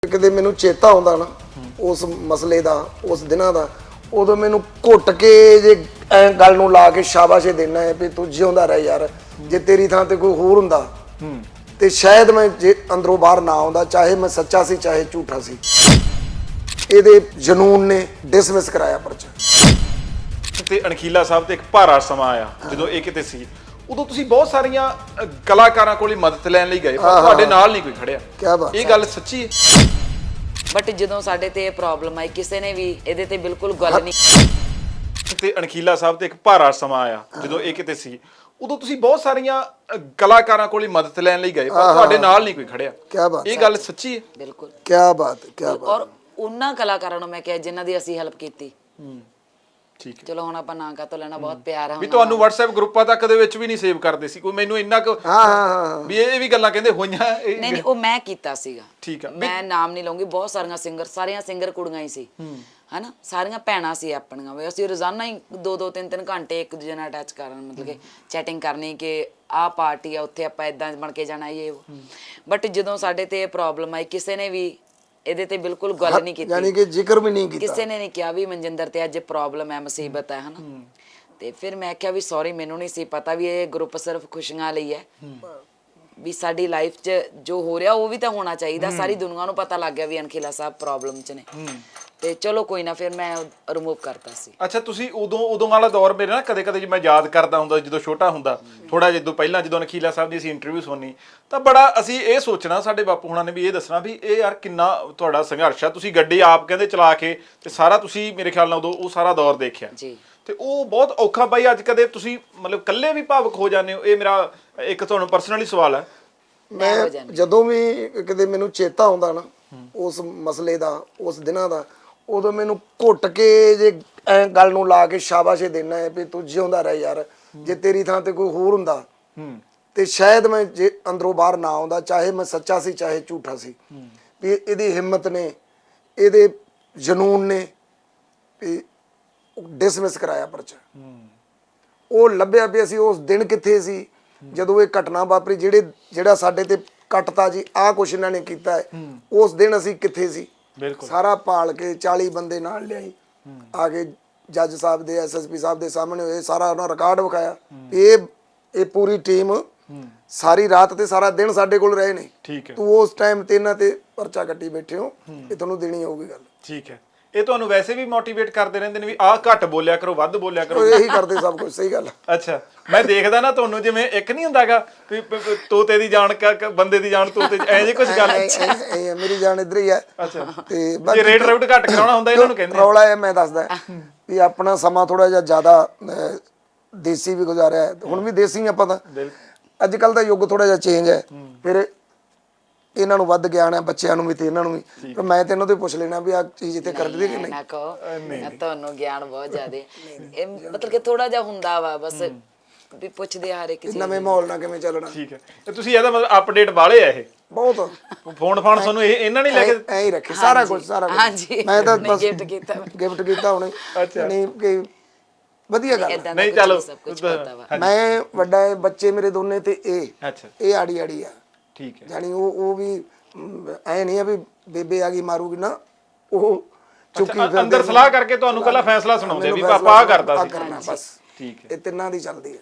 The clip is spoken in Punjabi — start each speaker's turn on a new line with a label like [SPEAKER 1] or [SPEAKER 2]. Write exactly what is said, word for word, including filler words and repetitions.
[SPEAKER 1] ਕਿਤੇ ਮੈਨੂੰ ਚੇਤਾ ਆਉਂਦਾ ਨਾ ਉਸ ਮਸਲੇ ਦਾ ਉਸ ਦਿਨਾਂ ਦਾ ਉਦੋਂ ਮੈਨੂੰ ਘੁੱਟ ਕੇ ਜੇ ਐ ਗੱਲ ਨੂੰ ਲਾ ਕੇ ਸ਼ਾਬਾਸ਼ੇ ਦੇਣਾ ਹੈ ਵੀ ਤੂੰ ਜਿਉਂਦਾ ਰਹਿ ਯਾਰ। ਜੇ ਤੇਰੀ ਥਾਂ ਤੇ ਕੋਈ ਹੋਰ ਹੁੰਦਾ ਤੇ ਸ਼ਾਇਦ ਮੈਂ ਜੇ ਅੰਦਰੋਂ ਬਾਹਰ ਨਾ ਆਉਂਦਾ, ਚਾਹੇ ਮੈਂ ਸੱਚਾ ਸੀ ਚਾਹੇ ਝੂਠਾ ਸੀ। ਇਹਦੇ ਜਨੂਨ ਨੇ ਡਿਸਮਿਸ ਕਰਾਇਆ ਪਰਚਾ।
[SPEAKER 2] ਤੇ ਅਣਖੀਲਾ ਸਾਹਿਬ ਤੇ ਇੱਕ ਭਾਰਾ ਸਮਾਂ ਆਇਆ ਜਦੋਂ ਇਹ ਕਿਤੇ ਸੀ, ਉਦੋਂ ਤੁਸੀਂ ਬਹੁਤ ਸਾਰੀਆਂ ਕਲਾਕਾਰਾਂ ਕੋਲ ਮਦਦ ਲੈਣ ਲਈ ਗਏ ਪਰ ਤੁਹਾਡੇ ਨਾਲ ਨਹੀਂ ਕੋਈ ਖੜਿਆ।
[SPEAKER 1] ਕੀ ਬਾਤ,
[SPEAKER 2] ਇਹ ਗੱਲ ਸੱਚੀ ਹੈ?
[SPEAKER 3] ਬਟ ਜਦੋਂ ਸਾਡੇ ਤੇ ਇਹ ਪ੍ਰੋਬਲਮ ਆਈ ਕਿਸੇ ਨੇ ਵੀ ਇਹਦੇ ਤੇ ਬਿਲਕੁਲ ਗੱਲ ਨਹੀਂ।
[SPEAKER 2] ਤੇ ਅਣਖੀਲਾ ਸਾਹਿਬ ਤੇ ਇੱਕ ਭਾਰਾ ਸਮਾਂ ਆਇਆ ਜਦੋਂ ਇਹ ਕਿਤੇ ਸੀ, ਉਦੋਂ ਤੁਸੀਂ ਬਹੁਤ ਸਾਰੀਆਂ ਕਲਾਕਾਰਾਂ ਕੋਲ ਮਦਦ ਲੈਣ ਲਈ ਗਏ ਪਰ ਤੁਹਾਡੇ ਨਾਲ ਨਹੀਂ ਕੋਈ ਖੜਿਆ।
[SPEAKER 1] ਕੀ ਬਾਤ,
[SPEAKER 2] ਇਹ ਗੱਲ ਸੱਚੀ ਹੈ?
[SPEAKER 3] ਬਿਲਕੁਲ।
[SPEAKER 1] ਕੀ ਬਾਤ, ਕੀ ਬਾਤ।
[SPEAKER 3] ਔਰ ਉਹਨਾਂ ਕਲਾਕਾਰਾਂ ਨੂੰ ਮੈਂ ਕਿਹਾ ਜਿਨ੍ਹਾਂ ਦੀ ਅਸੀਂ ਹੈਲਪ ਕੀਤੀ।
[SPEAKER 2] ਠੀਕ ਹੈ।
[SPEAKER 3] ਚਲੋ ਹੁਣ ਆਪਾਂ ਨਾਂ ਕਾ ਤੋਂ ਲੈਣਾ, ਬਹੁਤ ਪਿਆਰ ਹੈ
[SPEAKER 2] ਵੀ ਤੁਹਾਨੂੰ WhatsApp ਗਰੁੱਪਾਂ ਤੱਕ ਦੇ ਵਿੱਚ ਵੀ ਨਹੀਂ ਸੇਵ ਕਰਦੇ ਸੀ ਕੋਈ, ਮੈਨੂੰ ਇੰਨਾ ਕੁ
[SPEAKER 1] ਹਾਂ ਹਾਂ ਹਾਂ
[SPEAKER 2] ਵੀ ਇਹ ਵੀ ਗੱਲਾਂ ਕਹਿੰਦੇ ਹੋਈਆਂ।
[SPEAKER 3] ਨਹੀਂ ਨਹੀਂ ਉਹ ਮੈਂ ਕੀਤਾ ਸੀਗਾ।
[SPEAKER 2] ਠੀਕ ਆ।
[SPEAKER 3] ਮੈਂ ਨਾਮ ਨਹੀਂ ਲਵਾਂਗੀ, ਬਹੁਤ ਸਾਰੀਆਂ ਸਿੰਗਰ ਸਾਰੀਆਂ ਸਿੰਗਰ ਕੁੜੀਆਂ ਹੀ ਸੀ ਹਨਾ, ਸਾਰੀਆਂ ਭੈਣਾਂ ਸੀ ਆਪਣੀਆਂ ਵੀ। ਅਸੀਂ ਰੋਜ਼ਾਨਾ ਹੀ ਦੋ ਦੋ ਤਿੰਨ ਤਿੰਨ ਘੰਟੇ ਇੱਕ ਦੂਜੇ ਨਾਲ ਅਟੈਚ ਕਰਨ, ਮਤਲਬ ਕਿ ਚੈਟਿੰਗ ਕਰਨੀ ਕਿ ਆਹ ਪਾਰਟੀ ਆ ਉੱਥੇ ਆਪਾਂ ਇਦਾਂ ਬਣ ਕੇ ਜਾਣਾ ਇਹ। ਬਟ ਜਦੋਂ ਸਾਡੇ ਤੇ ਇਹ ਪ੍ਰੋਬਲਮ ਆਈ ਕਿਸੇ ਨੇ ਵੀ ਇਹਦੇ ਤੇ ਬਿਲਕੁਲ ਗੱਲ ਨਹੀਂ ਕੀਤੀ,
[SPEAKER 1] ਯਾਨੀ ਕਿ ਜ਼ਿਕਰ ਵੀ ਨਹੀਂ ਕੀਤਾ।
[SPEAKER 3] ਕਿਸੇ ਨੇ ਨਹੀਂ ਕਿਹਾ ਵੀ ਮਨਜਿੰਦਰ ਤੇ ਅੱਜ ਪ੍ਰੋਬਲਮ ਹੈ, ਮੁਸੀਬਤ ਹੈ ਹਨਾ। ਤੇ ਫਿਰ ਮੈਂ ਕਿਹਾ ਵੀ ਸੌਰੀ, ਮੈਨੂੰ ਨਹੀਂ ਸੀ ਪਤਾ ਵੀ ਇਹ ਗਰੁੱਪ ਸਿਰਫ ਖੁਸ਼ੀਆਂ ਲਈ ਹੈ, ਵੀ ਸਾਡੀ ਲਾਈਫ 'ਚ ਜੋ ਹੋ ਰਿਹਾ ਉਹ ਵੀ ਤਾਂ ਹੋਣਾ ਚਾਹੀਦਾ। ਸਾਰੀ ਦੁਨੀਆ ਨੂੰ ਪਤਾ ਲੱਗ ਗਿਆ ਵੀ ਅਣਖੀਲਾ ਸਾਹਿਬ ਪ੍ਰੋਬਲਮ 'ਚ ਨੇ। ਤੇ ਚਲੋ ਕੋਈ ਨਾ, ਫਿਰ ਮੈਂ ਰਿਮੂਵ ਕਰਤਾ ਸੀ।
[SPEAKER 2] ਅੱਛਾ, ਤੁਸੀਂ ਉਦੋਂ ਉਦੋਂ ਵਾਲਾ ਦੌਰ ਮੇਰੇ ਨਾ ਕਦੇ ਕਦੇ ਜੇ ਮੈਂ ਯਾਦ ਕਰਦਾ ਹੁੰਦਾ ਜਦੋਂ ਛੋਟਾ ਹੁੰਦਾ ਥੋੜਾ ਜਿਹਾ ਪਹਿਲਾਂ ਜਦੋਂ ਅਣਖੀਲਾ ਸਾਹਿਬ ਦੀ ਅਸੀਂ ਇੰਟਰਵਿਊ ਸੁਣਨੀ ਤਾਂ ਬੜਾ ਅਸੀਂ ਇਹ ਸੋਚਣਾ, ਸਾਡੇ ਬਾਪੂ ਹੁਣਾਂ ਨੇ ਵੀ ਇਹ ਦੱਸਣਾ ਵੀ ਇਹ ਯਾਰ ਕਿੰਨਾ ਤੁਹਾਡਾ ਸੰਘਰਸ਼ ਆ। ਤੁਸੀਂ ਗੱਡੀ ਆਪ ਕਹਿੰਦੇ ਚਲਾ ਕੇ ਤੇ ਸਾਰਾ ਤੁਸੀਂ ਮੇਰੇ ਖਿਆਲ ਨਾਲ ਉਦੋਂ ਉਹ ਸਾਰਾ ਦੌਰ ਦੇਖਿਆ
[SPEAKER 3] ਜੀ।
[SPEAKER 2] ਤੇ ਉਹ ਬਹੁਤ ਔਖਾ ਬਾਈ। ਅੱਜ ਕਦੇ ਤੁਸੀਂ ਮਤਲਬ ਇਕੱਲੇ ਵੀ ਭਾਵੁਕ ਹੋ ਜਾਂਦੇ ਹੋ? ਇਹ ਮੇਰਾ ਇੱਕ ਤੁਹਾਨੂੰ ਪਰਸਨਲੀ ਸਵਾਲ ਹੈ।
[SPEAKER 1] ਮੈਂ ਜਦੋਂ ਵੀ ਕਿਤੇ ਮੈਨੂੰ ਚੇਤਾ ਆਉਂਦਾ ਨਾ ਉਸ ਮਸਲੇ ਦਾ ਉਸ ਦਿਨਾਂ ਦਾ ਉਦੋਂ ਮੈਨੂੰ ਘੁੱਟ ਕੇ ਜੇ ਐ ਗੱਲ ਨੂੰ ਲਾ ਕੇ ਸ਼ਾਬਾਸ਼ੇ ਦੇਣਾ ਹੈ ਵੀ ਤੂੰ ਜਿਉਂਦਾ ਰਹਿ ਯਾਰ। ਜੇ ਤੇਰੀ ਥਾਂ ਤੇ ਕੋਈ ਹੋਰ ਹੁੰਦਾ ਤੇ ਸ਼ਾਇਦ ਮੈਂ ਜੇ ਅੰਦਰੋਂ ਬਾਹਰ ਨਾ ਆਉਂਦਾ, ਚਾਹੇ ਮੈਂ ਸੱਚਾ ਸੀ ਚਾਹੇ ਝੂਠਾ ਸੀ। ਵੀ ਇਹਦੀ ਹਿੰਮਤ ਨੇ ਇਹਦੇ ਜਨੂਨ ਨੇ ਵੀ ਡਿਸਮਿਸ ਕਰਾਇਆ ਪਰਚਾ। ਉਹ ਲੱਭਿਆ ਵੀ ਅਸੀਂ ਉਸ ਦਿਨ ਕਿੱਥੇ ਸੀ ਜਦੋਂ ਇਹ ਘਟਨਾ ਵਾਪਰੀ, ਜਿਹੜੇ ਜਿਹੜਾ ਸਾਡੇ ਤੇ ਕੱਟਤਾ ਜੀ ਆਹ ਕੁਛ ਇਹਨਾਂ ਨੇ ਕੀਤਾ ਹੈ, ਉਸ ਦਿਨ ਅਸੀਂ ਕਿੱਥੇ ਸੀ।
[SPEAKER 2] ਬਿਲਕੁਲ।
[SPEAKER 1] ਸਾਰਾ ਭਾਲ ਕੇ ਚਾਲੀ ਬੰਦੇ ਨਾਲ ਲਿਆਈ, ਆ ਕੇ ਜੱਜ ਸਾਹਿਬ ਦੇ ਐਸਐਸਪੀ ਸਾਹਿਬ ਦੇ ਸਾਹਮਣੇ ਹੋਏ, ਸਾਰਾ ਉਹਨਾਂ ਰਿਕਾਰਡ ਵਿਖਾਇਆ। ਇਹ ਇਹ ਪੂਰੀ ਟੀਮ ਸਾਰੀ ਰਾਤ ਤੇ ਸਾਰਾ ਦਿਨ ਸਾਡੇ ਕੋਲ ਰਹੇ ਨੇ।
[SPEAKER 2] ਠੀਕ ਹੈ।
[SPEAKER 1] ਤੂੰ ਉਸ ਟਾਈਮ ਤੇ ਇਹਨਾਂ ਤੇ ਪਰਚਾ ਕੱਟੀ ਬੈਠੇ ਹੋ, ਇਹ ਤੁਹਾਨੂੰ ਦੇਣੀ ਹੋਊਗੀ ਗੱਲ।
[SPEAKER 2] ਠੀਕ ਹੈ। ਇਹ ਤੁਹਾਨੂੰ ਵੈਸੇ ਵੀ ਮੋਟੀਵੇਟ ਕਰਦੇ ਰਹਿੰਦੇ ਨੇ ਵੀ ਆਹ ਘੱਟ ਬੋਲਿਆ ਕਰੋ, ਵੱਧ ਬੋਲਿਆ ਕਰੋ?
[SPEAKER 1] ਇਹੀ ਕਰਦੇ ਸਭ ਕੁਝ। ਸਹੀ ਗੱਲ।
[SPEAKER 2] ਅੱਛਾ, ਮੈਂ ਦੇਖਦਾ ਨਾ ਤੁਹਾਨੂੰ ਜਿਵੇਂ ਇੱਕ ਨਹੀਂ ਹੁੰਦਾਗਾ ਵੀ ਤੋਤੇ ਦੀ ਜਾਨ ਬੰਦੇ ਦੀ ਜਾਨ ਤੋਤੇ ਐ ਜੇ ਕੁਝ ਗੱਲ।
[SPEAKER 1] ਐ ਮੇਰੀ ਜਾਨ ਇੱਧਰ ਹੀ ਹੈ।
[SPEAKER 2] ਅੱਛਾ।
[SPEAKER 1] ਤੇ
[SPEAKER 2] ਜੇ ਰੇਟ ਰਾਊਟ ਘੱਟ ਕਰਾਉਣਾ ਹੁੰਦਾ ਇਹਨਾਂ ਨੂੰ ਕਹਿੰਦੇ
[SPEAKER 1] ਰੌਲਾ ਇਹ ਮੈਂ ਦੱਸਦਾ ਵੀ ਆਪਣਾ ਸਮਾਂ ਥੋੜਾ ਜਿਹਾ ਜ਼ਿਆਦਾ ਦੇਸੀ ਵੀ ਗੁਜ਼ਾਰਿਆ ਹੈ, ਹੁਣ ਵੀ ਦੇਸੀ ਆਪਾਂ ਤਾਂ। ਅੱਜ ਕੱਲ ਦਾ ਯੁੱਗ ਥੋੜਾ ਜਿਹਾ ਚੇਂਜ ਹੈ, ਫਿਰ ਇਹਨਾਂ ਨੂੰ ਵੱਧ ਗਿਆਨ ਹੈ, ਬੱਚਿਆਂ ਨੂੰ ਵੀ ਤੇ ਇਹਨਾਂ ਨੂੰ ਵੀ। ਪਰ ਮੈਂ ਤੇ ਇਹਨਾਂ ਤੋਂ ਪੁੱਛ ਲੈਣਾ ਵੀ ਆਹ ਚੀਜ਼ ਇੱਥੇ ਕਰਦੇ ਕਿ ਨਹੀਂ।
[SPEAKER 3] ਨਾ ਕਹੋ, ਤੁਹਾਨੂੰ ਗਿਆਨ ਬਹੁਤ ਜ਼ਿਆਦਾ ਇਹ ਮਤਲਬ ਕਿ ਥੋੜਾ ਜਿਹਾ ਹੁੰਦਾ ਵਾ, ਬਸ ਵੀ ਪੁੱਛਦੇ ਆ ਹਰ ਇੱਕ ਚੀਜ਼।
[SPEAKER 1] ਨਵੇਂ ਮਾਹੌਲ ਨਾਲ ਕਿਵੇਂ ਚੱਲਣਾ।
[SPEAKER 2] ਠੀਕ ਹੈ। ਤੇ ਤੁਸੀਂ ਇਹਦਾ ਮਤਲਬ ਅਪਡੇਟ ਵਾਲੇ ਆ ਇਹ
[SPEAKER 1] ਬਹੁਤ
[SPEAKER 2] ਫੋਨ ਫਾਨ ਤੁਹਾਨੂੰ ਇਹ ਇਹਨਾਂ ਨੇ ਲੈ ਕੇ
[SPEAKER 1] ਐ ਹੀ ਰੱਖੇ ਸਾਰਾ ਕੁਝ ਸਾਰਾ ਕੁਝ।
[SPEAKER 3] ਹਾਂਜੀ,
[SPEAKER 1] ਮੈਂ ਤਾਂ ਬਸ
[SPEAKER 3] ਗਿਫਟ ਕੀਤਾ
[SPEAKER 1] ਗਿਫਟ ਕੀਤਾ ਹੁਣੇ। ਨਹੀਂ ਕਿ ਵਧੀਆ ਗੱਲ।
[SPEAKER 2] ਨਹੀਂ ਚਲੋ
[SPEAKER 3] ਸਭ ਕੁਝ ਪਤਾ ਵਾ।
[SPEAKER 1] ਮੈਂ ਵੱਡਾ ਹੈ, ਬੱਚੇ ਮੇਰੇ ਦੋਨੇ ਤੇ ਇਹ
[SPEAKER 2] ਅੱਛਾ
[SPEAKER 1] ਇਹ ਆੜੀ ਆੜੀ ਆ।
[SPEAKER 2] ਠੀਕ ਹੈ।
[SPEAKER 1] ਜਾਨੀ ਉਹ ਉਹ ਵੀ ਐ ਨਹੀਂ ਆ ਵੀ ਬੇਬੇ ਆ ਗਈ ਮਾਰੂਗੀ ਨਾ, ਉਹ ਚੁੱਕੀ
[SPEAKER 2] ਅੰਦਰ ਸਲਾਹ ਕਰਕੇ ਤੁਹਾਨੂੰ ਕੱਲਾ ਫੈਸਲਾ ਸੁਣਾਉਂਦੇ ਵੀ ਪਾਪਾ ਆ ਕਰਦਾ ਸੀ।
[SPEAKER 1] ਬਸ।
[SPEAKER 2] ਠੀਕ ਹੈ।
[SPEAKER 1] ਇਹ ਤਿੰਨਾਂ ਦੀ ਚੱਲਦੀ ਹੈ।